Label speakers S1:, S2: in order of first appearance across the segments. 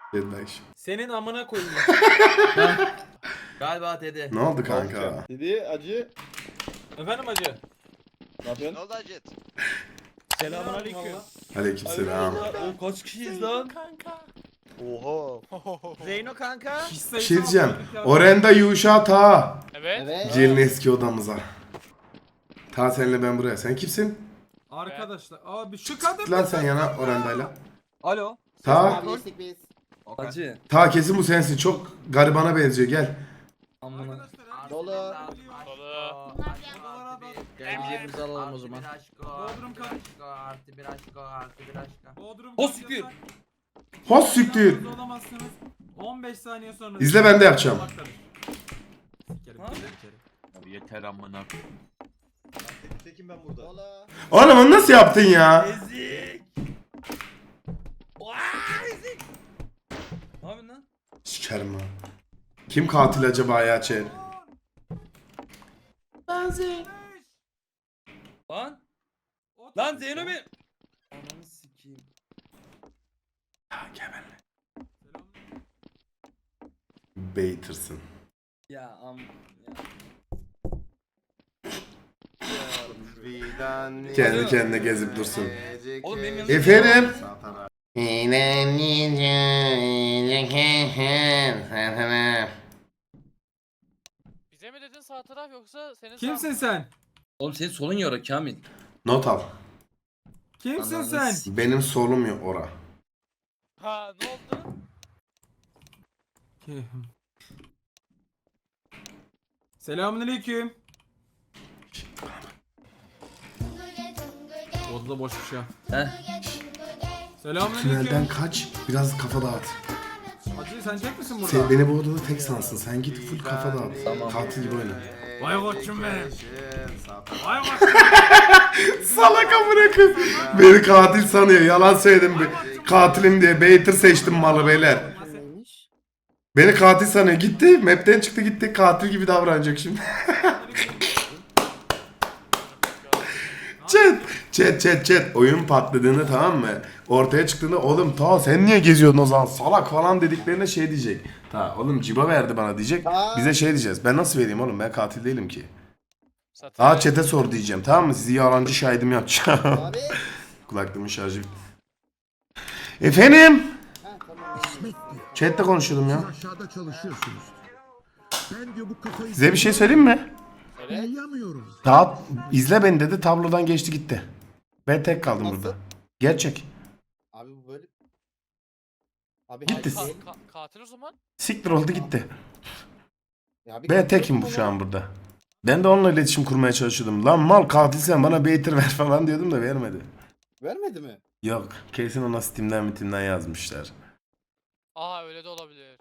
S1: Deadback.
S2: Senin amına koyayım.
S3: Galiba dedi.
S1: Ne oldu kanka?
S4: Dedi acı.
S2: Efendim hacı.
S4: Ne yapıyorsun?
S5: Ne oldu Acet?
S2: Selamun aleyküm.
S1: Aleykümselam.
S3: O kaç kişiyiz lan?
S5: Oha.
S3: Zeyno kanka.
S1: Bir şey diyeceğim. Orenda Yuşa Ta.
S6: Evet.
S1: Gelin eski odamıza. Ta senle ben buraya. Sen kimsin?
S2: Arkadaşlar abi şu kadın.
S1: Lan sen yana Orenda'yla.
S2: Alo.
S1: Ta.
S6: Geçtik biz.
S3: Hacı.
S1: Ta kesin bu sensin. Çok garibana benziyor. Gel.
S3: Amına.
S6: Dolu.
S3: Geleceğimizi alalım o zaman.
S2: Bodrum kaç?
S3: Artı bir aşko, artı bir aşko.
S2: Bodrum
S3: O
S2: kaç
S3: siktir.
S2: yasak?
S1: Hoş siktir.
S2: Yalnız olamazsınız. 15 saniye sonra.
S1: İzle, ben de yapacağım.
S2: Sikerim,
S3: Ha?
S2: sikerim.
S3: Abi yeter amına.
S4: Tekim ben burada.
S6: Dolu.
S1: Oğlum onu nasıl yaptın ya?
S3: Ezik. Ezik. Ne yapıyorsun lan?
S1: Sikerim ha. Kim katil acaba ya Çel?
S3: Lan. Lan Zeyno bir. Ananı sikeyim.
S1: Gel benimle. Baitersın.
S3: Ya am. Ya.
S1: Kendi kendine gezip dursun.
S3: Oğlum benim yanımda.
S1: Efendim?
S7: Bize mi dedin sağ taraf yoksa senin
S2: Kimsin sen?
S3: Oğlum senin solun yara Kamil.
S1: Not al.
S2: Kimsin
S3: Ananı
S2: sen?
S3: s-
S1: Benim solum yok ora.
S7: Ha ne oldu?
S2: Selamünaleyküm. Odada boşmuş ya.
S3: Heh.
S2: Selamünaleyküm.
S1: Tünelden kaç. Biraz kafa dağıt.
S2: Hacı sen çek misin burada?
S1: Sen beni bu odada tek sansın. Sen git full kafa dağıt.
S3: Tamam.
S1: Katil gibi oyna.
S2: Vay koçum benim. Vay koçum.
S1: Salak amına koyayım. Beni katil sanıyor. Yalan söyledim. Katilim diye. Baiter seçtim malı beyler. Beni katil sanıyor. Gitti. Map'ten çıktı gitti. Katil gibi davranacak şimdi. Chat. Oyun patladığında tamam mı? Ortaya çıktığında oğlum ta sen niye geziyordun o zaman salak falan dediklerinde şey diyecek. Ta oğlum ciba verdi bana diyecek. Bize şey diyeceğiz. Ben nasıl vereyim oğlum, ben katil değilim ki.
S7: Satın.
S1: Aa chat'e sor diyeceğim tamam mı? Sizi yalancı şahidim yapacağım.
S6: Abi.
S1: Kulaklığımın şarjı bitti. Efendim?
S6: Ha tamam.
S1: Chat'te konuşuyordum ya.
S8: Aşağıda çalışıyorsunuz. Ben diyor bu kafayı
S1: Size bir şey söyleyeyim mi?
S8: yiyemiyorum.
S1: Daha izle beni dedi, tablodan geçti gitti. Ben tek kaldım
S6: Nasıl?
S1: burada. Gerçek.
S6: Abi bu böyle. Abi
S1: Gitti.
S6: hayır, değil.
S7: Katil o zaman.
S1: Siktir oldu gitti.
S6: Ya abi
S1: Ben tekim
S6: katil
S1: şu an burada. Ben de onunla iletişim kurmaya çalışıyordum. Lan mal katilsen bana Baiter ver falan diyordum da vermedi.
S6: Vermedi mi?
S1: Yok. Kesin ona Steam'den yazmışlar.
S7: Aa öyle de olabilir.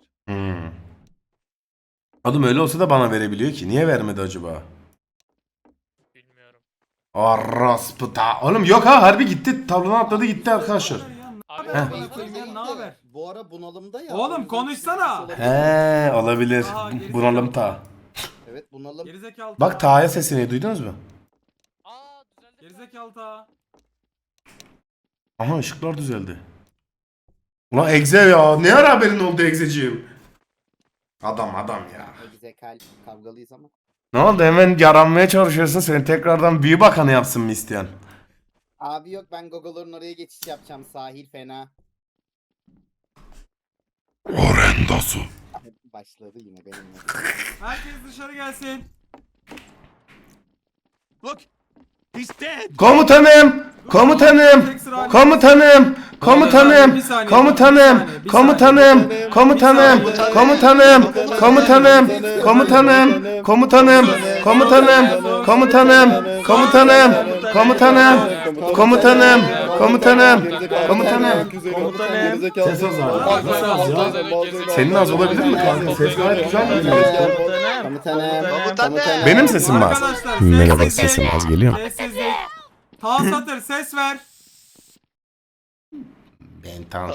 S1: Adım öyle olsa da bana verebiliyor ki. Niye vermedi acaba?
S7: Bilmiyorum.
S1: Araspıta. Oğlum yok ha, harbi gitti. Tablodan atladı gitti arkadaşlar.
S7: Abi
S2: Heh.
S7: bana
S6: Beytin
S2: koyayım ya,
S6: değil
S2: ne
S6: de,
S2: haber?
S6: Bu ara bunalımda ya.
S2: Oğlum,
S6: o yüzden
S2: konuşsana.
S6: bir şey olabilir.
S1: He olabilir.
S2: Aha, gerizekalı.
S1: Bunalım ta.
S6: Evet bunalım.
S2: Gerizekalı.
S1: Bak Ta'ya sesini duydunuz mu?
S7: Aa düzeldi.
S2: Gerizekalı ta.
S1: Aha ışıklar düzeldi. Ulan Egze ya. Ne ara haberin oldu Egzeciğim? Adam ya.
S6: Zekalı kavgalıyız ama.
S1: Ne oldu, hemen yaranmaya çalışıyorsun, seni tekrardan büyü bakanı yapsın mı isteyen?
S6: Abi yok ben Gogo'ların oraya geçiş yapacağım. Sahil fena.
S1: Orendasu.
S6: Başladı yine benimle.
S2: Herkes dışarı gelsin.
S1: Komutanım! Komutanım! Komutanım! Komutanım! Komutanım! Komutanım! Komutanım! Komutanım! Komutanım! Komutanım! Komutanım! Komutanım! Komutanım! Komutanım! Komutanım! Komutanım! Komutanım! Komutanım! Ses az abi. Senin az olabilir mi kanka? Ses gayet güzel geliyor.
S6: Komutanım.
S1: Benim sesim mi az?
S2: Arkadaşlar
S1: Merhaba,
S2: sessizlik.
S1: sesim az geliyor mu?
S2: Sessizlik. Ta satır ses ver.
S1: Ben tamam.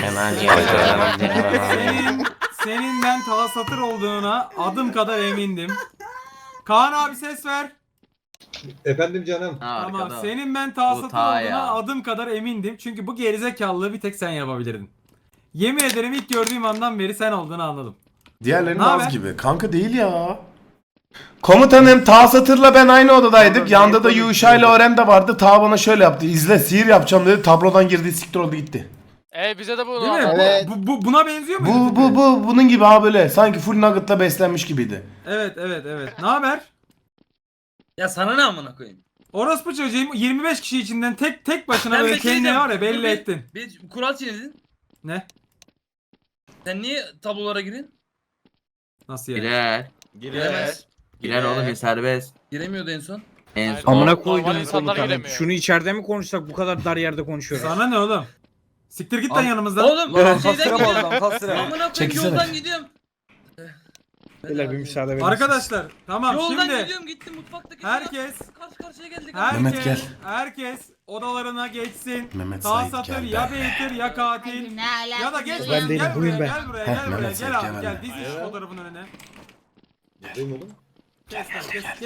S2: Senin ben ta satır olduğuna adım kadar emindim. Kaan abi ses ver.
S4: Efendim canım.
S2: Tamam. Senin ben ta
S3: Bu
S2: satır
S3: ta
S2: olduğuna
S3: ya.
S2: adım kadar emindim. Çünkü bu gerizekalılığı bir tek sen yapabilirdin. Yemin ederim ilk gördüğüm andan beri sen olduğunu anladım.
S1: Diğerlerinin
S2: Ne haber?
S1: az gibi. Kanka değil ya. Komutanım Ta Satır'la ben aynı odadaydık. Yanında da Yuşa ile Orem de vardı. Ta bana şöyle yaptı. İzle sihir yapacağım dedi. Tablodan girdi, siktir oldu gitti.
S7: Bize de bunu
S2: Değil mi?
S6: Evet.
S2: Buna benziyor muydu?
S1: Bu
S2: tipi?
S1: bunun gibi ha böyle. Sanki full nugget'la beslenmiş gibiydi.
S2: Evet. Ne haber?
S3: Ya sana ne amına koyayım?
S2: Orospu çocuğum 25 kişi içinden tek başına
S3: Ben
S2: böyle
S3: bir şey
S2: kendini
S3: diyeceğim.
S2: var ya belli
S3: Dur bir-
S2: ettin.
S3: Bir kural çiğnedin.
S2: Ne?
S3: Sen niye tablolara girin?
S2: Nasıl yani?
S9: Girer.
S3: Giremez.
S9: Girer oğlum ya serbest.
S3: Giremiyordu en son.
S9: En
S7: Hayır,
S9: son.
S7: normal
S10: Amına koydum
S7: insanlar
S10: komutanım.
S7: giremiyor.
S10: Şunu içeride mi konuşsak, bu kadar dar yerde konuşuyoruz.
S2: Sana ne oğlum? Siktir git lan yanımızdan.
S3: Oğlum şeyden gidiyorum.
S4: Kastıra.
S3: Amına koyayım
S1: Çekilsene.
S3: yoldan gidiyorum.
S10: Beyler bir müsaade verin.
S2: Arkadaşlar tamam
S3: Yoldan
S2: şimdi
S3: gidiyorum gittim mutfaktaki.
S2: herkes
S3: Karşı karşıya geldik.
S1: Mehmet gel.
S2: herkes odalarına geçsin.
S1: Mehmet
S2: Ta
S1: Sait
S2: Satır
S1: gel.
S2: ya Beytir ya katil. Ya da geç
S10: Ben
S2: buraya,
S10: değilim,
S2: gel
S10: buyurun
S2: buraya,
S10: ben.
S2: gel buraya,
S1: Heh,
S2: gel buraya,
S1: Mehmet
S2: gel
S1: Sait,
S2: abi,
S1: gel
S2: gel
S1: ben.
S2: diz iç fotoğrafın önüne.
S4: Değil oğlum?
S2: Geç lan,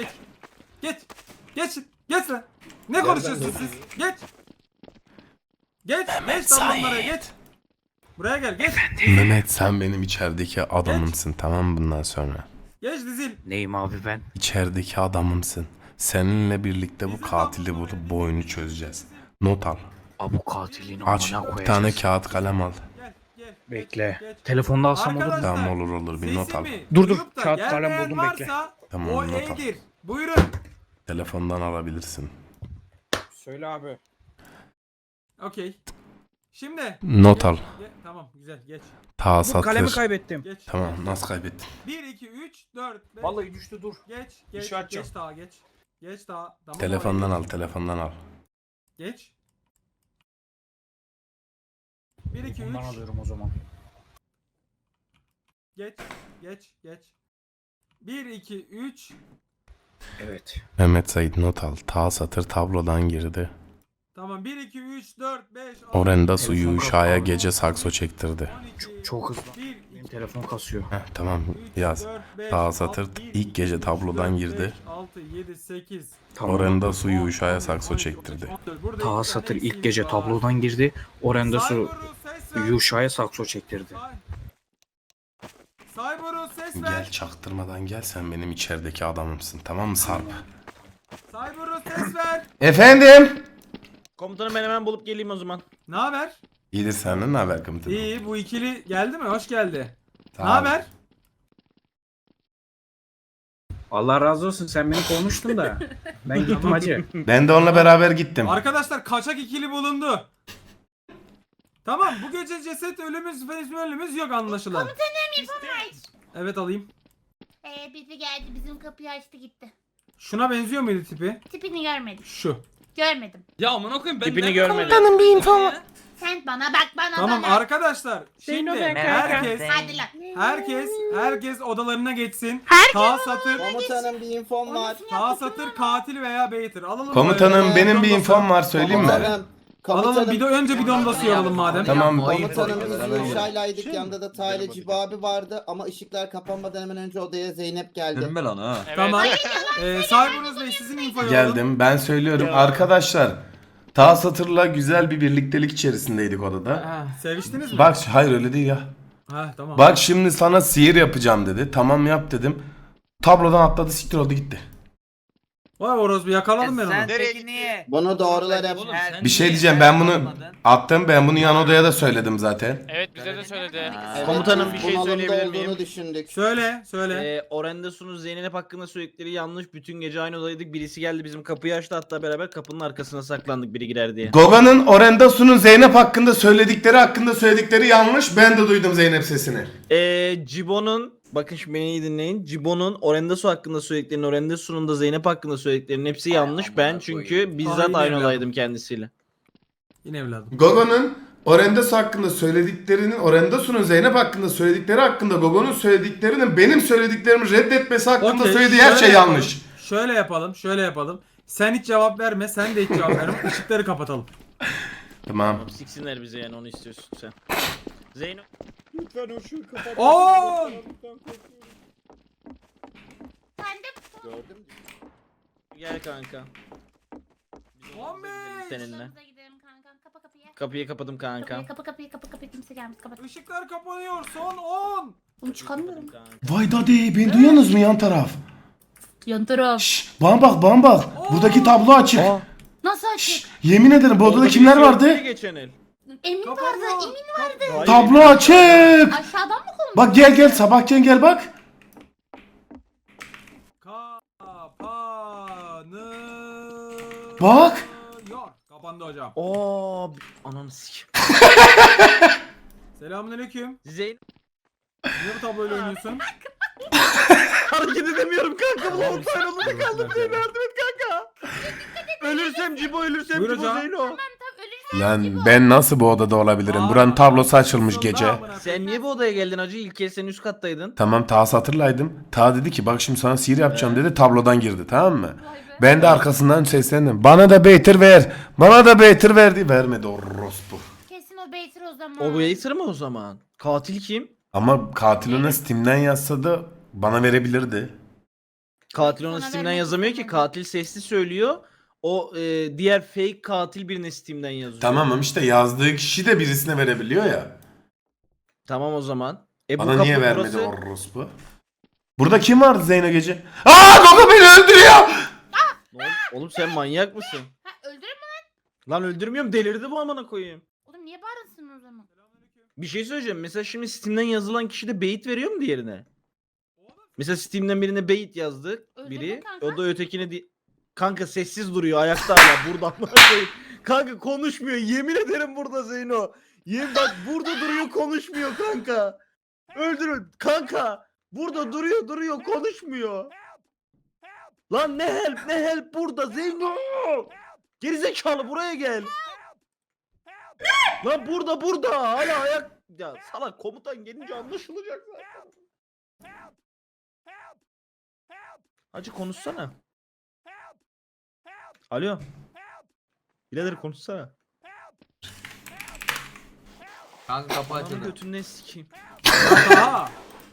S2: geç lan. Ne konuşuyorsunuz siz? Geç lan bunlara geç. Buraya gel, geç.
S1: Mehmet sen benim içerideki adamımsın, tamam mı bundan sonra?
S2: Geç dizil.
S10: Neyim abi ben?
S1: İçerideki adamımsın. Seninle birlikte bu katili bulup bu oyunu çözeceğiz. Not al.
S10: Abu katilini
S1: Aç.
S10: amına
S1: Bir tane
S10: koyacağız.
S1: kağıt kalem al.
S2: Gel.
S10: Bekle.
S2: Geç.
S10: Telefonda alsam olur mu?
S2: Arkadaşlar,
S1: Tamam olur bir not al.
S2: sesimi
S10: Dur,
S2: duyup da
S10: kağıt kalem
S2: gelmeyen
S10: buldum, bekle.
S2: varsa
S1: Tamam,
S2: o
S1: not al.
S2: E'dir. Buyurun.
S1: Telefondan alabilirsin.
S10: Söyle abi.
S2: Okey. Şimdi.
S1: Not al.
S2: Tamam güzel geç.
S1: Ta
S10: Bu kalemi
S1: Satır.
S10: kaybettim.
S2: Geç.
S1: Tamam nasıl kaybettin?
S2: 1, 2, 3, 4, 5.
S10: Vallahi düştü, dur.
S2: Geç.
S10: Bir şey açacağım.
S2: Geç daha geç. Geç daha. Tamam,
S1: Telefondan
S2: oraya
S1: al, telefondan al.
S2: geç. 1, 2, 3.
S10: Bundan alıyorum o zaman.
S2: Geç. 1, 2, 3.
S10: Evet.
S1: Mehmet Sait not al. Ta Satır tablodan girdi.
S2: Tamam 1, 2, 3, 4, 5, 6.
S1: Orenda suyu Yuşa'ya gece sakso çektirdi.
S10: Çok hızlı. Benim telefon kasıyor.
S1: Heh, tamam yaz. Ta Satır ilk gece tablodan girdi.
S2: 6, 7, 8.
S1: Orenda suyu Yuşa'ya sakso çektirdi.
S10: Ta Satır ilk gece tablodan girdi. Orenda su Yuşa'ya sakso çektirdi.
S2: Cyberus ses ver.
S1: Gel çaktırmadan gel, sen benim içerideki adamımsın, tamam mı Sarp?
S2: Cyberus ses ver.
S1: Efendim?
S3: Komutanım ben hemen bulup geleyim o zaman.
S2: Ne haber?
S1: İyidir, senden ne haber komutanım?
S2: İyi, bu ikili geldi mi? Hoş geldi.
S1: Tamam.
S2: Ne haber?
S10: Allah razı olsun, sen beni konuştun da. Ben gittim hacı.
S1: Ben de onunla beraber gittim.
S2: Arkadaşlar kaçak ikili bulundu. Tamam, bu gece ceset ölümümüz yok anlaşılan.
S11: Komutanım info var.
S2: Evet alayım.
S11: Bizi geldi, bizim kapıyı açtı gitti.
S2: Şuna benziyor muydu tipi?
S11: Tipini görmedim.
S2: Şu.
S11: Görmedim.
S3: Ya amına koyayım ben
S10: Tipini
S3: ben-
S10: görmedim.
S1: bir info var.
S11: Sen bana bak, bana
S2: Tamam
S11: bana.
S2: arkadaşlar. Şimdi
S11: Hadi lan.
S2: herkes odalarına geçsin. Satır,
S6: Komutanım bir infom var.
S2: Satır katil veya beytir. Alalım.
S1: Komutanım
S2: böyle.
S1: benim bir
S2: Bidonda
S1: infom var, söyleyeyim mi?
S6: Komutanım.
S2: Alalım
S6: Komutanım.
S2: önce bidonda sıyalım madem.
S1: Tamam.
S6: Komutanım biz Yuşa'ylaydık. Yanında da Tayla Cibo abi vardı. Ama ışıklar kapanmadan hemen önce odaya Zeynep geldi.
S3: Dönme lan ha.
S7: Evet.
S2: Tamam. Cyberus Bey sizin infoyu alalım.
S1: Geldim, ben söylüyorum arkadaşlar. Ta Satır'la güzel bir birliktelik içerisindeydik odada.
S2: Ha, seviştiniz mi?
S1: Bak hayır öyle değil ya.
S2: Ha tamam.
S1: Bak şimdi sana sihir yapacağım dedi. Tamam yap dedim. Tablodan atladı, siktir oldu gitti.
S2: Vay orospu yakaladım ben onu.
S5: Nereye gitti?
S6: Bunu doğrular hep.
S3: Oğlum sen
S1: Bir şey
S3: niye-
S1: diyeceğim, ben bunu attım, ben bunu yan odaya da söyledim zaten.
S7: Evet bize de söyledi.
S6: Evet,
S3: Komutanım,
S6: biz
S3: bir şey
S6: bunalımda
S3: söyleyebilir miyim?
S6: olduğunu düşündük.
S2: Söyle.
S3: Orendesu'nun Zeynep hakkında söyledikleri yanlış. Bütün gece aynı odadaydık. Birisi geldi bizim kapıyı açtı, hatta beraber kapının arkasına saklandık biri girer diye.
S1: Goga'nın Orendasu'nun Zeynep hakkında söyledikleri yanlış. Ben de duydum Zeynep sesini.
S3: Cibo'nun, bakın şimdi beni iyi dinleyin. Cibo'nun Orendasu hakkında söylediklerinin, Orendasu'nun da Zeynep hakkında söylediklerinin hepsi yanlış. Ben çünkü bizzat
S2: Aynen
S3: aynı
S2: öyle.
S3: odaydım kendisiyle.
S2: Yine evladım.
S1: Goga'nın Orendasu hakkında söylediklerinin, Orendasu'nun Zeynep hakkında söyledikleri hakkında Goga'nın söylediklerinin benim söylediklerimi reddetmesi hakkında
S2: Okey,
S1: söylediği her
S2: şöyle
S1: şey
S2: yapalım.
S1: yanlış.
S2: Şöyle yapalım. Sen hiç cevap verme, sen de hiç cevap verme. Işıkları kapatalım.
S1: Tamam.
S3: Siksinler bize yani, onu istiyorsun sen. Zeynep.
S4: Lütfen o ışığı kapat.
S2: Oo!
S11: Sen de
S6: Gördüm.
S3: Gel kanka.
S2: Muhammed!
S3: Seninle.
S11: Odamıza gidelim kanka. Kapa kapıyı.
S3: Kapıyı kapadım kanka.
S11: Kapıyı kimse gelmez kapat.
S2: Işıklar kapanıyor. Son 10.
S11: Oğlum çıkamıyorum.
S1: Vay daddy beni duyuyorsunuz mu yan taraf?
S11: Yan taraf.
S1: Şşş bana bak bana bak. Buradaki tablo açık.
S3: Aa,
S11: Nasıl açık?
S1: Şşş, yemin ederim bu odada
S3: orada
S1: kimler
S3: birisi yoktu
S1: vardı?
S3: ya geçen el.
S11: Emin vardı.
S2: Kapanıyor.
S11: Emin.
S3: Hayır,
S1: Tablo
S3: Emin-
S1: açık.
S11: Aşağıdan mı konuşuyor?
S1: Bak gel sabahken gel bak.
S2: Kapanıyor.
S1: Bak.
S2: Kapandı hocam.
S3: Aa, ananı sikim.
S2: Selamünaleyküm.
S3: Zeyn
S2: Niye bu tabloyla oynuyorsun?
S3: hareket edemiyorum kanka. Bu
S2: Tamam,
S3: ortaya oldu
S2: buyurun,
S3: kaldım.
S2: buyurun.
S3: Beni yardım et kanka. Ölürsem Cibo, ölürsem
S2: Buyur
S3: Cibo
S2: hocam.
S3: Zeyno.
S11: Tamam ölürsen
S1: Lan ben nasıl bu odada olabilirim? Buranın tablosu açılmış gece.
S3: Sen niye bu odaya geldin hacı? İlk kez sen üst kattaydın.
S1: Tamam Ta hatırlaydım. Ta dedi ki bak şimdi sana sihir yapacağım dedi. Tablodan girdi tamam mı? Ben de arkasından seslendim. Bana da beytir ver. Bana da beytir verdi. Vermedi o rospu.
S11: kesin o Beytir o zaman.
S3: O Waiter mı o zaman? Katil kim?
S1: Ama katil ona Steam'den yazsa da bana verebilirdi.
S3: Katil ona
S11: Sana
S3: Steam'den
S11: vermek
S3: yazamıyor ki.
S11: istemem.
S3: Katil sesli söylüyor. O diğer fake katil birine Steam'den yazıyor.
S1: Tamam işte yazdığı kişi de birisine verebiliyor ya.
S3: Tamam o zaman. Bu
S1: Bana niye
S3: kapı
S1: vermedi
S3: burası-
S1: o rospu? Burada kim vardı Zeyno gece? Aa Gogo beni öldürüyor.
S3: Oğlum sen manyak mısın?
S11: Ha öldürür mü?
S3: Lan öldürmüyorum, delirdi bu amına koyayım.
S11: Oğlum niye bağırırsın o zaman?
S3: Bir şey söyleyeceğim. Mesela şimdi Steam'den yazılan kişi de bait veriyor mu diğerine? Mesela Steam'den birine bait yazdı
S11: Öldürdün
S3: biri.
S11: kanka.
S3: O da ötekine kanka sessiz duruyor ayakta hala burada amına koyayım. Kanka konuşmuyor. Yemin ederim burada Zeyno. Bak burada duruyor konuşmuyor kanka. Öldürün kanka. Burada duruyor konuşmuyor. Lan ne help burada Zeyno. Gerizekalı buraya gel. Lan burada hala ayak. Ya salak komutan gelince anlaşılacak zaten. Hacı konuşsana. Alo. Birader konuşsana.
S9: Kanka kapı
S3: Ananı
S9: açıldı.
S3: götünden sikeyim.
S2: Aa.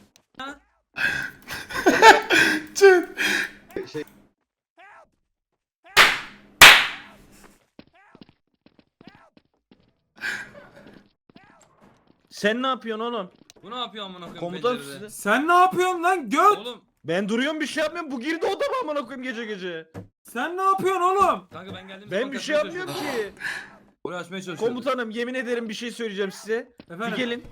S3: Sen ne yapıyorsun oğlum?
S9: Bu ne yapıyor amına koyayım
S3: Komutan
S9: pencerede?
S3: size.
S2: Sen ne yapıyorsun lan göt?
S9: Oğlum
S3: Ben duruyorum bir şey yapmıyorum. Bu girdi odama amına koyayım gece.
S2: Sen ne yapıyorsun oğlum?
S9: kanka ben geldim.
S3: Ben bir şey yapmıyorum ki.
S9: Burayı açmaya çalışıyorum.
S3: Komutanım yemin ederim bir şey söyleyeceğim size. Bir
S2: Efendim?
S3: gelin.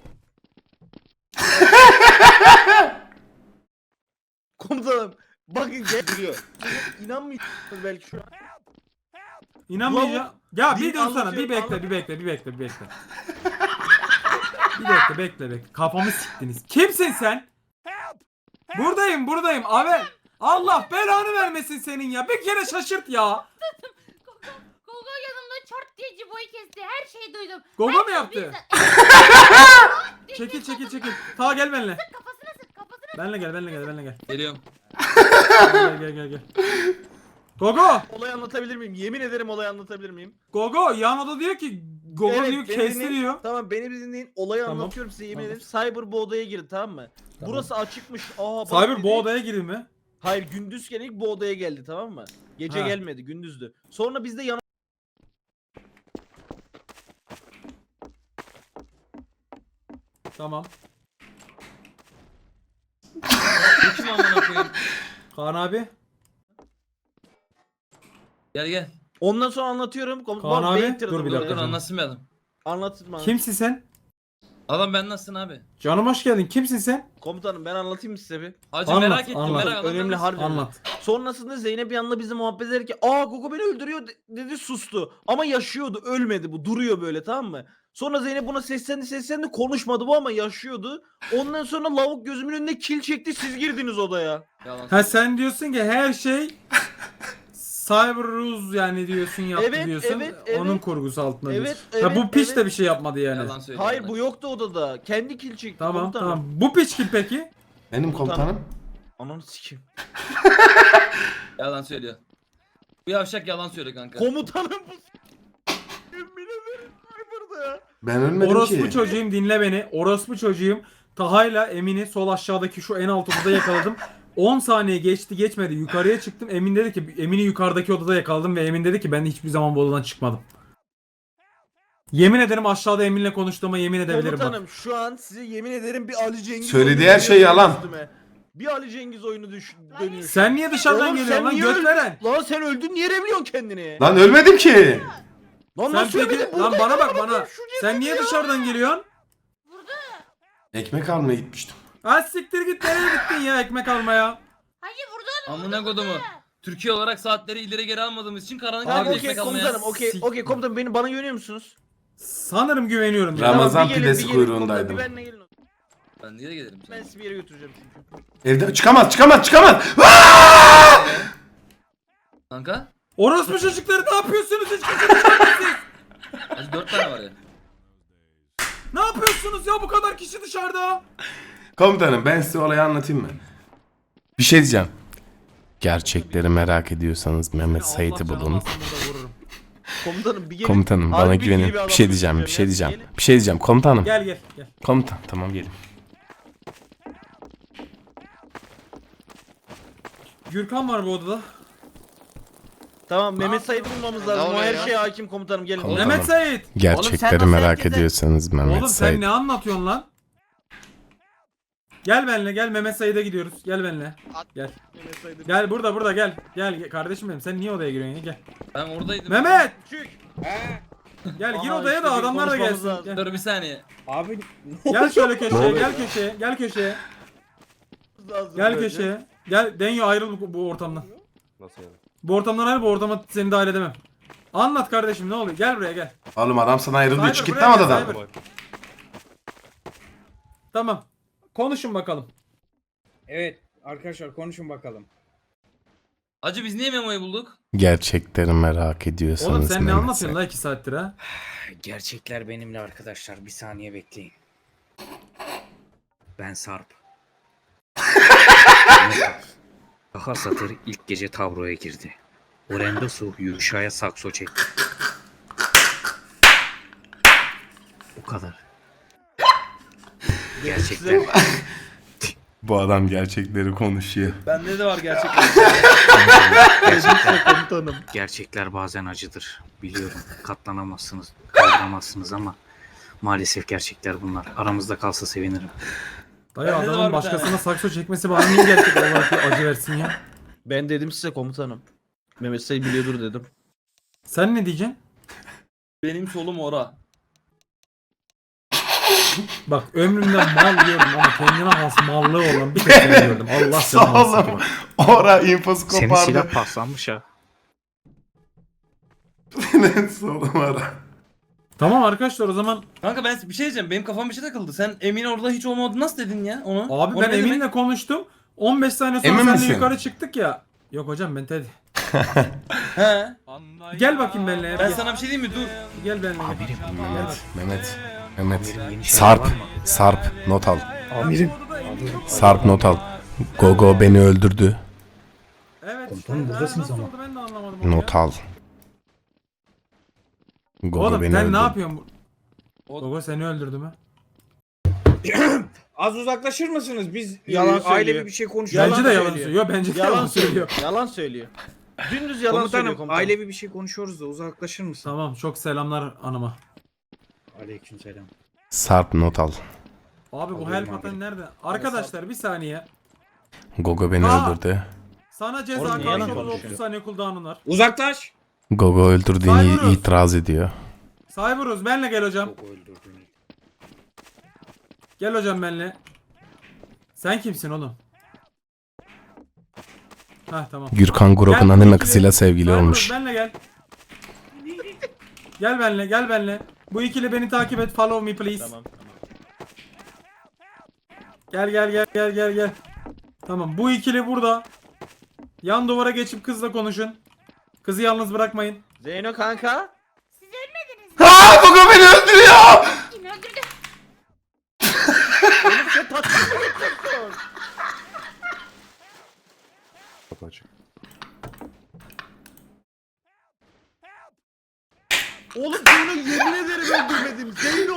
S3: Komutanım bakın gel duruyor. İnanmıyorsunuz belki şu an.
S2: İnanmayacağım. Ya
S3: Din
S2: bir dur sana
S3: anlatıyorum,
S2: bir bekle. Bekle. Kafamı siktiniz. Kimsin sen? Buradayım. Abi. Allah belanı vermesin senin ya. Bir kere şaşırt ya.
S11: Gogo yanımda çort diye Cibo'yu kesti. Her şeyi duydum.
S2: Gogo mu yaptı? Çekil. Ta gel benimle.
S11: Kafasına sık kafasına.
S2: Benle gel.
S9: Geliyorum.
S2: Gel. Gogo.
S3: Olayı anlatabilir miyim? Yemin ederim olayı anlatabilir miyim?
S2: Gogo yan oda diyor ki Gogo
S3: Evet,
S2: diyor
S3: beni
S2: kesti
S3: dinleyin.
S2: diyor.
S3: Tamam beni bir dinleyin. Olayı
S2: Tamam.
S3: anlatıyorum size yemin
S2: Tamam.
S3: ederim. Cyber bu odaya girdi tamam mı?
S2: Tamam.
S3: Burası açıkmış. Aa, bak
S2: Cyber
S3: dedi.
S2: bu odaya girdi mi?
S3: Hayır gündüzken ilk bu odaya geldi tamam mı? Gece
S2: Ha.
S3: gelmedi gündüzdü. Sonra biz de yana...
S2: Tamam.
S9: Bu kim amına koyayım?
S2: Kaan abi.
S9: Gel.
S3: Ondan sonra anlatıyorum.
S2: Kaan abi,
S3: Beytirdim
S2: dur bir
S3: böyle.
S2: dakika.
S9: Dur anlatsın bir adam.
S3: Anlatma.
S2: Kimsin sen?
S9: Adam ben nasılsın abi?
S2: Canım hoş geldin. Kimsin sen?
S3: Komutanım ben anlatayım size bir.
S9: Hacı
S2: Anlat,
S9: merak ettim
S2: anlat.
S9: merak
S3: Önemli
S9: anlatır
S3: harbi.
S9: mısın?
S2: Anlat.
S3: Sonrasında Zeynep bir yanında bizi muhabbet ederken aa Gogo beni öldürüyor dedi sustu. Ama yaşıyordu ölmedi bu duruyor böyle tamam mı? Sonra Zeynep buna seslendi konuşmadı bu ama yaşıyordu. Ondan sonra lavuk gözümün önünde kill çekti siz girdiniz odaya.
S9: Yalan.
S2: Ha sen diyorsun ki her şey Cyberuz yani diyorsun yaptı
S3: Evet,
S2: diyorsun.
S3: evet.
S2: Onun kurgusu altında
S3: Evet,
S2: diyorsun. Ha bu
S3: evet,
S2: piç
S3: evet.
S2: de bir şey yapmadı yani.
S9: Yalan söylüyor.
S3: Hayır
S9: yalan.
S3: bu yoktu odada. Kendi kill çekti.
S2: Tamam
S3: komutanım.
S2: tamam. Bu piç kim peki?
S1: Benim komutanım.
S3: Ananı sikeyim.
S9: Yalan söylüyor. Bu yavşak yalan söylüyor kanka.
S3: Komutanım bu Yemin ederim burada ya.
S1: Ben ölmedim
S2: Orospu
S1: ki.
S2: çocuğum dinle beni. Orospu çocuğum. Taha'yla Emin'i sol aşağıdaki şu en alt odada yakaladım. 10 saniye geçmedi. Yukarıya çıktım. Emin dedi ki Emin'i yukarıdaki odada yakaladım ve Emin dedi ki ben hiçbir zaman bu odadan çıkmadım. Yemin ederim aşağıda Emin'le konuştuğuma yemin edebilirim bak.
S3: Komutanım şu an size yemin ederim bir Ali Cengiz
S1: Söylediği
S3: oyunu
S1: her şey
S3: dönüyor
S1: yalan.
S3: üstüme. Bir Ali Cengiz oyunu dönüyor.
S2: Sen niye dışarıdan
S3: Oğlum
S2: geliyorsun
S3: sen
S2: lan
S3: niye
S2: götveren?
S3: Lan sen öldün niye revliyorsun kendini?
S1: Lan ölmedim ki.
S3: Lan
S2: Sen
S3: nasıl ölmedin?
S2: peki lan bana bak bana. Sen niye dışarıdan geliyorsun?
S1: Ekmek almaya gitmiştim.
S2: Ha siktir git nereye gittin ya ekmek almaya?
S11: Hacı burada mı?
S9: Amına kodumu. Türkiye olarak saatleri ileri geri almadığımız için karanlık
S3: Tamam
S9: evde
S3: okey
S9: ekmek almaya.
S3: komutanım okey komutanım bana güveniyor musunuz?
S2: Sanırım güveniyorum. ya.
S1: Ramazan
S3: Tamam, bir gelin,
S1: pidesi
S3: bir gelin,
S1: kuyruğundaydım.
S3: komutanım, bir benle gelin.
S9: Ben niye gelirim
S3: Ben
S9: sana?
S3: sizi bir yere götüreceğim çünkü.
S1: Evde çıkamaz.
S9: Kanka?
S2: Orospu çocukları ne yapıyorsunuz hiç kimse dışarıdasınız.
S9: Hadi 4 tane var ya.
S2: Ne yapıyorsunuz ya bu kadar kişi dışarıda?
S1: Komutanım ben size olayı anlatayım mı? Bir şey diyeceğim. Gerçekleri merak ediyorsanız Mehmet Sait'i
S2: Allah
S1: bulun.
S2: canını alsın burada vururum.
S3: Komutanım bir gelin.
S1: Komutanım
S3: Harbi
S1: bana
S3: bilgili
S1: güvenin.
S3: bir adam
S1: Bir şey diyeceğim.
S3: götüreceğim ya.
S1: Bir şey diyeceğim. Komutanım.
S2: Gel gel gel.
S1: Komutan tamam gelin.
S2: Gürkan var bu odada.
S3: Tamam Mehmet Said'i bulmamız lazım. O
S5: oluyor
S3: her
S5: ya?
S3: şeye hakim komutanım gelin.
S1: Komutanım.
S2: Mehmet Sait.
S1: Gerçekleri
S3: nasıl
S1: merak
S3: herkese-
S1: ediyorsanız Mehmet
S2: Oğlum sen
S1: Sait.
S2: ne anlatıyorsun lan? Gel benimle gel Mehmet Sait'e gidiyoruz. Gel benimle. Gel.
S3: Mehmet Said'i-
S2: Gel burada gel. Gel kardeşim benim. Sen niye odaya giriyorsun ya? Gel.
S9: Ben oradaydım.
S2: Mehmet!
S3: Çık.
S2: Gel gir
S3: Aha,
S2: odaya
S3: işte
S2: da
S3: bir
S2: adamlar da
S3: konuşmamız
S2: gelsin.
S3: lazım.
S2: Gel.
S9: Dur bir saniye.
S4: Abi
S2: Gel şöyle köşeye, gel köşeye, gel köşeye.
S3: Lazım
S2: Gel
S3: böyle.
S2: köşeye. Gel Denyo ayrıl bu ortamdan.
S4: nasıl yani?
S2: Bu ortamdan ayrıl, bu ortama seni dahil edemem. Anlat kardeşim ne oluyor? Gel buraya gel.
S1: Oğlum adam sana ayrıldı.
S2: Cyber,
S1: Çık git
S2: buraya
S1: lan
S2: gel,
S1: odadan.
S2: Cyber. Tamam. Konuşun bakalım.
S4: Evet arkadaşlar konuşun bakalım.
S9: Hacı biz niye Memo'yu bulduk?
S1: Gerçekleri merak ediyorsanız
S2: Oğlum sen ne
S1: Mehmet
S2: anlatıyorsun
S1: Sait.
S2: la 2 saattir ha?
S10: Gerçekler benimle arkadaşlar. Bir saniye bekleyin. Ben Sarp. Daha Satır ilk gece Tavro'ya girdi. Orendosu Yuşa'ya sakso çekti. O kadar. Gerçekler.
S1: Bu adam gerçekleri konuşuyor.
S9: Bende de var gerçekten.
S3: Komutanım.
S10: Gerçekler bazen acıdır. Biliyorum. Katlanamazsınız, kaldıramazsınız ama maalesef gerçekler bunlar. Aramızda kalsa sevinirim.
S2: Dayı
S9: Bende de var
S2: adamın
S9: bir
S2: başkasına
S9: tane.
S2: sakso çekmesi bana niye gerçek olarak bir acı versin ya?
S3: Ben dedim size komutanım. Mehmet Said biliyordur dedim.
S2: Sen ne diyeceksin?
S9: Benim solum ora.
S2: Bak ömrümden mal diyorum ama kendine has mallığı olan bir tek seni gördüm. Allah canını alsın.
S1: Oğlum. Ora infosu
S10: Senin
S1: kopardı.
S10: silah paslanmış ha.
S1: Solum ara.
S2: Tamam arkadaşlar o zaman
S9: Kanka ben bir şey diyeceğim. Benim kafam bir şey takıldı. Sen Emin orada hiç olmadığını nasıl dedin ya onu?
S2: abi
S9: O
S2: ben
S9: ne demek?
S2: Emin'le konuştum. 15 saniye sonra
S1: Emin
S2: seninle
S1: misin?
S2: yukarı çıktık ya. Yok hocam ben Teddy.
S9: He.
S2: Gel bakayım benimle.
S9: Ben
S2: Gel,
S9: sana bir şey diyeyim mi? Dur.
S2: gel benimle. Gel.
S1: Mehmet.
S10: Yeni şeyler
S1: Sarp.
S10: var mı?
S1: Sarp not al.
S10: Amirim.
S1: Sarp not al. Gogo beni öldürdü.
S2: Evet.
S10: Komutanım,
S2: işte,
S10: buradasınız
S2: nasıl
S10: ama.
S2: oldu ben de anlamadım onu
S1: Not
S2: ya.
S1: al. Gogo
S2: Oğlum
S1: beni
S2: sen
S1: öldürdü.
S2: ne yapıyorsun? Gogo seni öldürdü mü?
S4: Az uzaklaşır mısınız? Biz
S3: Yalan söylüyor.
S4: ailevi bir şey konuşuyoruz.
S2: Bence de yalan
S3: söylüyor.
S2: söylüyor. Bence de
S3: Yalan söylüyor. Yalan söylüyor. Dümdüz yalan söylüyor
S4: Komutanım
S3: komutanım.
S4: ailevi bir şey konuşuyoruz da uzaklaşır mısın?
S2: Tamam çok selamlar anıma.
S10: Aleykümselam.
S1: Sarp not al.
S2: Abi bu
S10: Alıyorum
S2: help
S10: abi.
S2: atan nerede? Arkadaşlar bir saniye.
S1: Gogo beni
S2: Aa!
S1: öldürdü.
S2: Sana ceza
S3: Oğlum, niye yalan
S2: karşılığı
S3: konuşuyor?
S2: 30 saniye cooldown'un var.
S4: Uzaklaş.
S1: Gogo öldürdüğünü
S2: Cyberus.
S1: itiraz ediyor.
S2: Cyberus benle gel hocam.
S10: Çok öldürdün.
S2: Gel hocam benle. Sen kimsin oğlum? Hah tamam.
S1: Gürkan Grok'un
S2: Gel,
S1: anime
S2: ikili-
S1: kızıyla sevgili
S2: Cyberus
S1: olmuş.
S2: benle gel. Gel benle gel benle. Bu ikili beni takip et. Follow me please.
S3: Tamam.
S2: Gel. Tamam bu ikili burada. Yan duvara geçip kızla konuşun. Kızı yalnız bırakmayın.
S3: Zeyno kanka.
S11: Siz ölmediniz mi?
S1: Aa, Gogo beni öldürüyor.
S11: Kim öldürdü?
S3: Oğlum sen tatlı mı yapıyorsun? Oğlum Zeyno yemin ederim öldürmedim. Zeyno.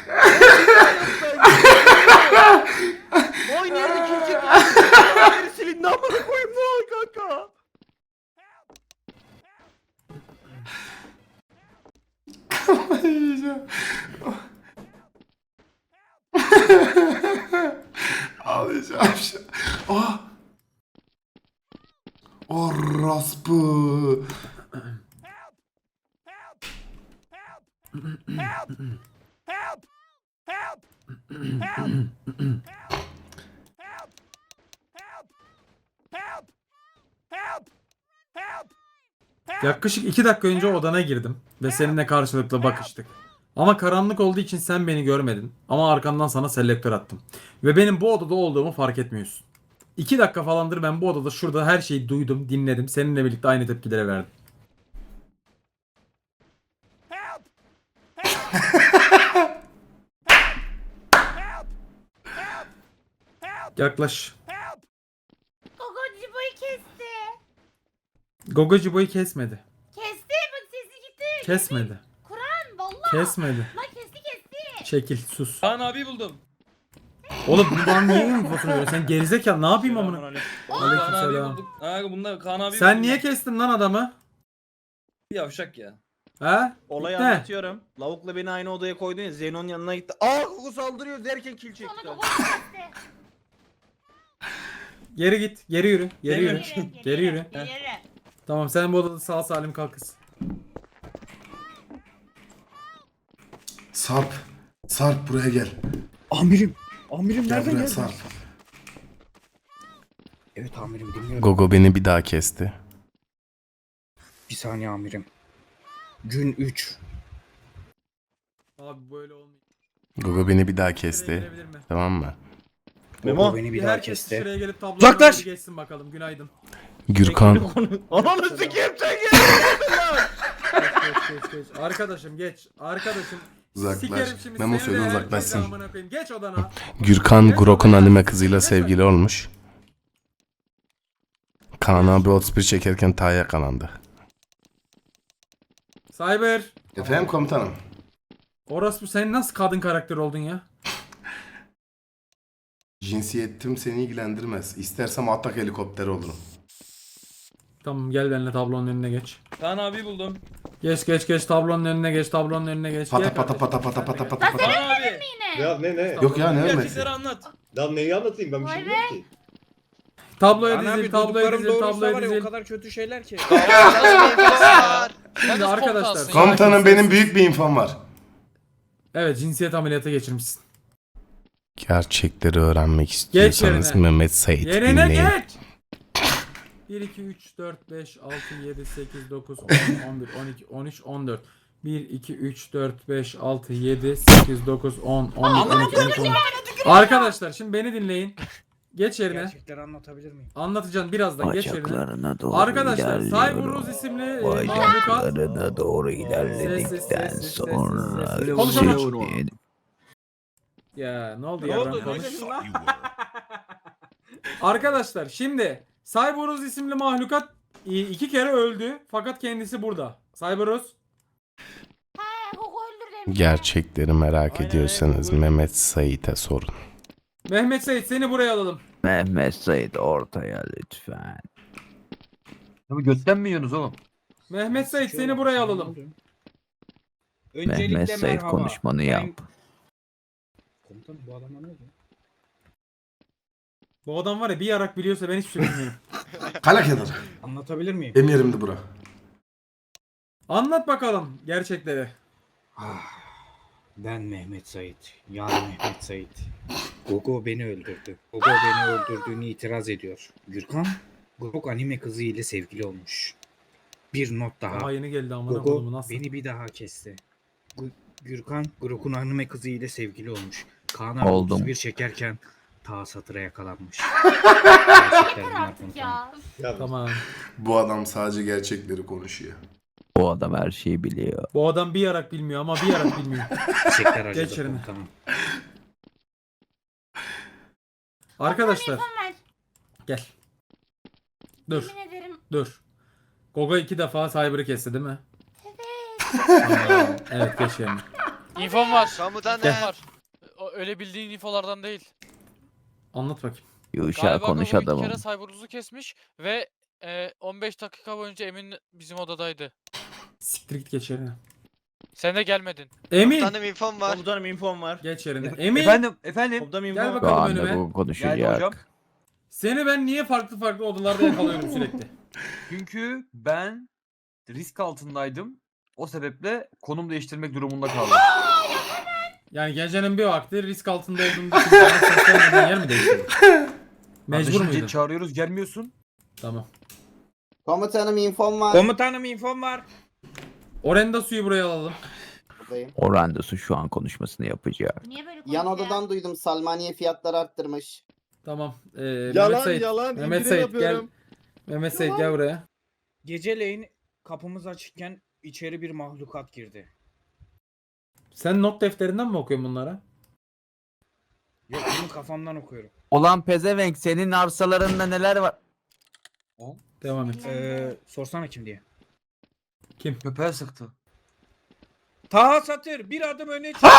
S3: Aynı yerde kimse kalmadı. Silindi amına koyayım ne oldu kanka?
S1: Yiyeceğim. Ağlayacağım şu an. Ah! Orospu.
S2: Yaklaşık 2 dakika önce odana girdim ve seninle karşılıklı bakıştık. Ama karanlık olduğu için sen beni görmedin. Ama arkandan sana selektör attım. Ve benim bu odada olduğumu fark etmiyorsun. 2 dakika falandır ben bu odada şurada her şeyi duydum, dinledim. Seninle birlikte aynı tepkilere verdim. Yaklaş.
S11: Gogo Cibo'yu kesti.
S2: Gogo Cibo'yu kesmedi.
S11: Kesti bak sesi gitti.
S2: Kesmedi.
S11: Kur'an vallahi.
S2: Kesmedi.
S11: Lan kesti.
S2: Çekil, sus.
S9: Kaan abi buldum.
S2: Oğlum bu bana niye infosunu veriyorsun? Sen gerizekalı ne yapayım amına?
S9: Kaan abi
S2: Aleykümselam.
S9: bulduk. Aa bunda Kaan abi
S2: Sen
S9: buldum.
S2: niye kestin lan adamı?
S9: Bir yavşak ya.
S2: He?
S3: Olayı
S2: Ne?
S3: anlatıyorum. Lavukla beni aynı odaya koydun ya, Zeyno'nun yanına gitti. Aa Gogo saldırıyor derken kill
S11: Sonra
S3: çekti.
S11: Gogo'yu kesti.
S2: Geri git. Geri yürü. Geri yürü. Geri yürü.
S11: Geri.
S2: Tamam sen bu odada sağ salim kal kız.
S1: Sarp. Sarp buraya gel.
S4: Amirim. Amirim
S1: Gel
S4: nereden
S1: buraya
S4: geldin?
S1: Sarp.
S4: Evet amirim dinliyorum.
S1: Gogo beni bir daha kesti.
S4: Bir saniye amirim. Gün 3.
S2: Abi böyle olmuyor.
S1: Gogo beni bir daha
S2: Şuraya
S1: kesti.
S2: girebilir mi?
S1: Tamam mı?
S3: Memo.
S4: beni
S2: Bir herkes şuraya gelip tabloya
S4: Uzaklaş!
S2: geçsin bakalım. Günaydın.
S1: Gürkan.
S3: Ananı sikeyim sen geldin lan.
S2: Geç. Arkadaşım geç. Arkadaşım.
S1: Uzaklaş.
S2: Sikerim şimdi
S1: Memo
S2: seni
S1: söyle
S2: de herkese
S1: uzaklaşsın.
S2: amına koyayım. Geç odana.
S1: Gürkan Grok'un anime kızıyla sevgili olmuş. Kaan abi 31 çekerken Ta'ya yakalandı.
S2: Cyber.
S1: Efendim komutanım.
S2: Orospu sen nasıl kadın karakter oldun ya?
S1: Cinsiyetim seni ilgilendirmez. İstersem atak helikopteri olurum.
S2: Tamam gel benimle tablonun önüne geç.
S9: Kaan abi buldum.
S2: Geç tablonun önüne geç tablonun önüne geç.
S1: Pata
S2: Gel
S1: pata
S2: kardeşim.
S1: pata pata pata pata pata.
S9: Kaan abi.
S11: Yine.
S8: Ya ne?
S1: Yok ya ne ölmesi?
S9: Gerçekleri anlat.
S8: Lan neyi anlatayım ben bir şey bilmiyorum ki.
S2: Tabloya
S4: Ana abi
S2: dizil, tabloya
S4: duyduklarım
S2: dizil,
S4: doğruysa
S2: tabloya
S4: var ya o
S2: dizil.
S4: kadar kötü şeyler ki.
S2: Şimdi arkadaşlar.
S1: Komutanım benim büyük bir infom var.
S2: Evet cinsiyet ameliyatı geçirmişsin.
S1: Gerçekleri öğrenmek istiyorsanız
S2: yerine.
S1: Mehmet Sait
S2: Yerine
S1: dinleyin.
S2: geç. 1, 2, 3, 4, 5, 6, 7, 8, 9, 10, 11, 12, 13, 14. 1, 2, 3, 4, 5, 6, 7, 8, 9, 10, 11, 12, 13, 14. Arkadaşlar şimdi beni dinleyin. Geç yerine.
S4: Gerçekleri anlatabilir miyim?
S2: Anlatacağım birazdan geç yerine.
S10: Bacaklarına doğru
S2: Arkadaşlar
S10: ilerliyorum.
S2: Cyberuz isimli mahlukat.
S10: Bacaklarına doğru ilerledikten
S2: Sessiz.
S10: sonra...
S2: Konuşamam. Ya ne oldu ya?
S4: oldu?
S2: Konuş.
S4: Ne diyorsun lan?
S2: Arkadaşlar şimdi Cyberuz isimli mahlukat 2 kere öldü fakat kendisi burada. Cyberuz.
S11: Gogo öldür demiş.
S1: Gerçekleri merak
S2: Aynen,
S1: ediyorsanız
S2: aynen.
S1: Mehmet Sait'e sorun.
S2: Mehmet Sait seni buraya alalım.
S10: Mehmet Sait ortaya lütfen.
S9: Götten mi yiyorsunuz oğlum?
S2: Mehmet Sait seni buraya alalım.
S4: Öncelikle
S10: Mehmet Sait
S4: merhaba.
S10: konuşmanı
S4: Ben-
S10: yap.
S4: Komutanım bu adama ne oldu?
S2: Bu adam var ya bir yarak biliyorsa ben hiçbir şey bilmiyorum.
S1: Kala kenara.
S4: Anlatabilir miyim?
S1: Emirimdi bura.
S2: Anlat bakalım gerçekleri.
S4: Ben Mehmet Sait. Yani Mehmet Sait. Gogo beni öldürdü. Gogo beni öldürdüğünü itiraz ediyor. Gürkan, Gogo anime kızı ile sevgili olmuş. Bir not daha.
S2: Daha yeni geldi amına
S4: Gogo
S2: koyduğumu nasıl?
S4: beni bir daha kesti. Gürkan, Gogo'nun anime kızı ile sevgili olmuş. Kaan abi
S10: Oldum.
S4: 31 çekerken ta satıra yakalanmış. Gerçekten
S11: Yeter
S4: bunlar
S11: artık
S4: komutanım.
S11: ya.
S8: Ya
S2: Tamam.
S1: Bu adam sadece gerçekleri konuşuyor.
S10: O adam her şeyi biliyor.
S2: Bu adam bir yarak bilmiyor ama bir yarak bilmiyor.
S4: Çiçekler acıdı
S2: Geç yerine.
S4: komutanım.
S2: Arkadaşlar
S11: Telefon ver.
S2: gel. Dur.
S11: Yemin ederim.
S2: Dur. Gogo 2 defa Cyber'ı kesti değil mi?
S11: Evet.
S2: Evet geç yerine.
S7: İnfom var.
S5: Komutanım.
S7: İnfom var. Öyle bildiğin infolardan değil.
S2: Anlat bakayım.
S10: Yuşa
S7: Galiba
S10: konuş
S7: Gogo 2
S10: adamım.
S7: kere Cyberuz'u kesmiş ve 15 dakika boyunca Emin bizim odadaydı.
S2: Siktir git geç yerine.
S7: Sen de gelmedin.
S2: Emin.
S5: Komutanım infom var.
S3: Komutanım infom var.
S2: Geç yerine. Emin.
S9: Efendim.
S3: Komutanım
S2: Gel
S3: infom var.
S2: bakalım önüme.
S9: Geldi hocam.
S2: Seni ben niye farklı odalarda yakalıyorum sürekli?
S9: Çünkü ben risk altındaydım. O sebeple konum değiştirmek durumunda kaldım.
S2: Yani gecenin bir vakti risk altında olduğunu düşünüp bana seslenmeden yer mi değiştirdin? Mecbur muydun?
S9: Çağırıyoruz gelmiyorsun.
S2: Tamam.
S6: Komutanım infom var.
S3: Komutanım infom var.
S2: Orenda suyu buraya alalım.
S6: Buradayım.
S8: Orandosu şu an konuşmasını yapacak.
S11: Niye böyle
S6: Yan
S11: konuşuyor?
S6: odadan duydum Salmaniye fiyatları arttırmış.
S2: Tamam. Mehmet
S3: Yalan
S2: Sait.
S3: yalan
S2: Mehmet
S3: indirim
S2: Sait gel.
S3: yapıyorum.
S2: Mehmet Sait gel buraya.
S4: Geceleyin kapımız açıkken içeri bir mahlukat girdi.
S2: Sen not defterinden mi okuyorsun bunlara?
S4: Yok bunu kafamdan okuyorum.
S8: Olan pezevenk senin arsalarında neler var?
S2: Devam et.
S4: Sorsana kim diye.
S2: Kim?
S9: Köpeğe sıktı.
S4: Taha Satır bir adım öne çık.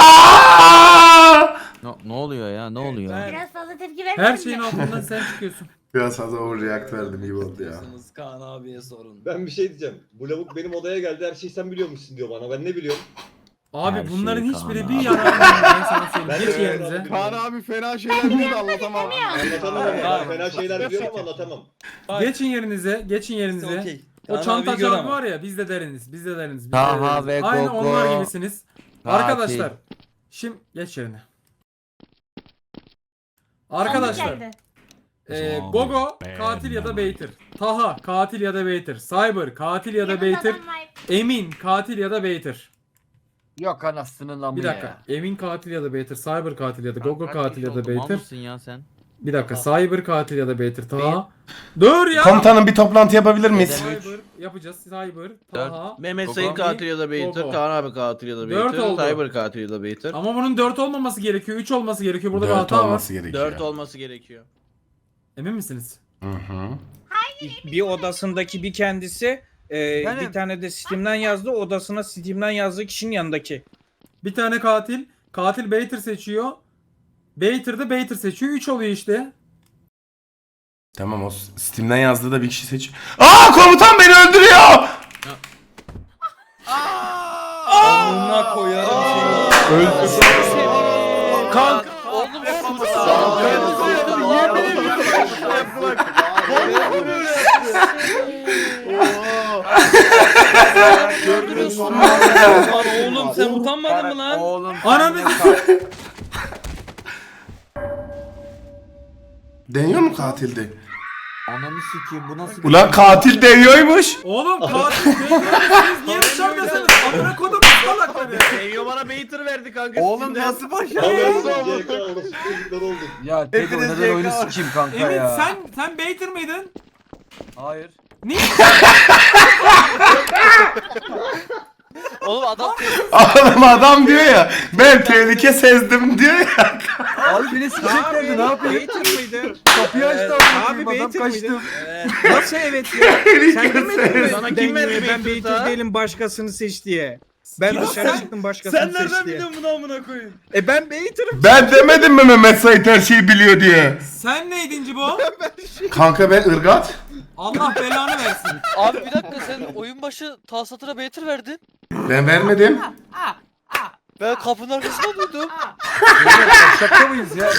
S8: Ne oluyor ya? Ne oluyor?
S4: Ben-
S11: Biraz fazla tepki vermedin
S2: Her
S11: mi?
S2: şeyin altından sen çıkıyorsun.
S1: Biraz fazla overreact verdim iyi oldu ya.
S9: Kaan abiye sorun.
S12: Ben bir şey diyeceğim. Bu lavuk benim odaya geldi, her şeyi sen biliyormuşsun diyor bana. Ben ne biliyorum?
S2: Abi
S8: Her
S2: bunların
S8: şey
S2: hiçbiri
S8: Kaan
S2: bir
S8: abi.
S2: yararı yok. Ben sana söyleyeyim.
S12: Ben
S2: Geç
S12: de
S2: yerinize.
S12: öyle
S3: Kaan abi fena şeyler diyor da anlatamam.
S12: Anlatamam ama. Ben fena şeyler biliyorum ama anlatamam.
S2: Geçin yerinize. Geçin yerinize. O çantacı abi var ya biz de deriniz. Biz de deriniz. Biz de
S8: Taha
S2: deriniz.
S8: ve
S2: Aynı
S8: Gogo.
S2: onlar gibisiniz.
S8: Katil.
S2: Arkadaşlar. Şimdi geç yerine. Arkadaşlar.
S11: Sandık geldi.
S2: Gogo katil ya da Beytir. Taha katil ya da Beytir. Cyber katil ya da
S11: Yanında
S2: Beytir.
S11: adam var.
S2: Emin katil ya da Beytir.
S9: Yok anasının lan
S2: Bir dakika. Emin katil ya da Beytir. Cyber katil ya da Gogo katil ya da Beytir.
S8: ya sen?
S2: Bir dakika. Cyber katil ya da Beytir. Taha. Dur ya.
S1: Komutanım bir toplantı yapabilir miyiz?
S2: Cyber yapacağız. Cyber. Taha.
S3: Mehmet
S2: Gogo.
S3: Sayın katil ya da Beytir,
S2: Gogo.
S3: Kaan abi katil ya da
S2: Dört
S3: Beytir,
S2: oldu.
S3: Cyber katil ya da Beytir.
S2: Ama bunun 4 olmaması gerekiyor. 3 olması gerekiyor. Burada bir
S1: 4
S2: hata var.
S1: olması gerekiyor.
S3: 4 olması gerekiyor.
S2: Emin misiniz?
S1: Hı hı.
S4: Bir odasındaki bir kendisi bir tane de Steam'den yazdı. Odasına Steam'den yazdığı kişinin yanındaki.
S2: Bir tane katil. Katil Beytir seçiyor. Beytir de Beytir seçiyor. 3 oluyor işte.
S1: Tamam o Steam'den yazdığı da bir kişi seç. Aa komutan beni öldürüyor.
S9: Amına koyarım seni.
S3: Kanka.
S7: Oğlum
S3: Gördünüz mü?
S9: Oğlum sen utanmadın mı lan?
S8: Oğlum
S2: Ananı
S1: Deniyor mu katildi?
S8: Ananı sikeyim bu nasıl
S1: Ulan katil deniyormuş.
S2: Oğlum katil Beytir. Siz niye dışarıdasınız? Amına kodum salakları.
S3: Eyvah bana Beytir verdi kanka.
S8: Oğlum nasıl başarı?
S12: CK orası çocuklar olduk.
S9: Ya Teko neden oyunu sikeyim kanka
S2: Emin
S9: ya.
S2: sen Beytir miydin?
S9: Hayır.
S2: Niye?
S7: Oğlum adam
S1: Adam diyor ya ben tehlike sezdim diyor ya.
S9: Abi beni sikeceklerdi ne yapayım?
S4: Beytir miydi?
S9: Kapıyı açtı
S4: Abi Beytir miydi?
S9: kaçtım.
S4: Nasıl evet ya? Sen demedin mi?
S3: Sana kim verdi
S4: Ben
S3: Beytir
S4: Beytir
S3: Taha?
S4: değilim başkasını seç diye. Ben
S2: Ya
S4: dışarı
S2: sen-
S4: çıktım başkasını
S9: Sen
S4: seç
S9: nereden
S4: diye.
S9: biliyorsun bunu amına koyayım?
S4: Ben Beytir'im.
S1: Ben demedim mi Mehmet Sait her şeyi biliyor diye.
S2: Sen neydin Cibo?
S1: Kanka ben ırgat.
S2: Allah belanı versin.
S7: abi bir dakika sen oyun başı Tahsatır'a Beytir verdin.
S1: Ben vermedim.
S7: Ben kapının arkasında duydum.
S9: Şaka mıyız ya?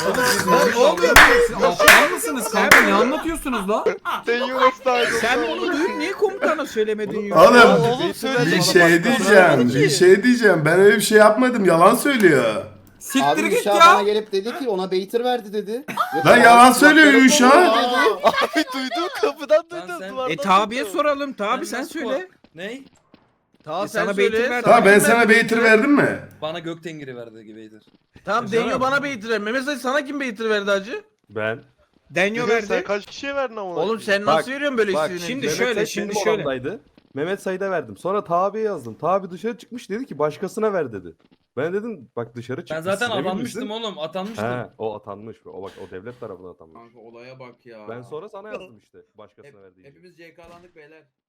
S2: Aptal mısınız kanka? Ne anlatıyorsunuz la?
S4: Sen onu duyup niye komutana söylemedin ya?
S1: Oğlum
S7: Oğlum söyle.
S1: bir şey diyeceğim. Ben öyle bir şey yapmadım. Yalan söylüyor.
S2: Siktir
S6: Abi
S2: git
S6: Uşa bana
S2: ya.
S6: gelip dedi ki ona Beytir verdi dedi.
S1: Lan yalan söylüyor Uşa.
S7: Abi duydum kapıdan duydum.
S9: sen-
S7: duvardan
S4: Tabi'ye
S7: duydum.
S4: soralım. Tabi sen söyle.
S9: Ney?
S3: Taha
S4: sana
S3: sen
S4: Beytir
S3: söyle.
S4: verdi.
S1: Tamam ben sana Beytir verdim mi?
S9: Bana Göktengri verdi gibiydir.
S3: Tamam Denyo bana Beytir verdi. Mehmet Sayın sana kim Beytir verdi hacı?
S12: Ben.
S4: Denyo verdi.
S5: kaç kişiye verdin ama?
S3: Oğlum sen nasıl veriyorsun böyle
S12: bak,
S3: işini?
S4: Şimdi şöyle, şimdi şöyle.
S12: Mehmet Said'e verdim. Sonra Tabi'ye yazdım. Tabi dışarı çıkmış dedi ki başkasına ver dedi. Ben dedim bak dışarı
S9: Ben
S12: çıkmış.
S9: zaten
S12: siz emin
S9: atanmıştım
S12: misin?
S9: oğlum atanmıştım.
S12: He o atanmış. O bak o devlet tarafından atanmış.
S8: Kanka olaya bak ya.
S12: Ben sonra sana yazdım işte başkasına verdiği için.
S8: Hepimiz CK'landık beyler.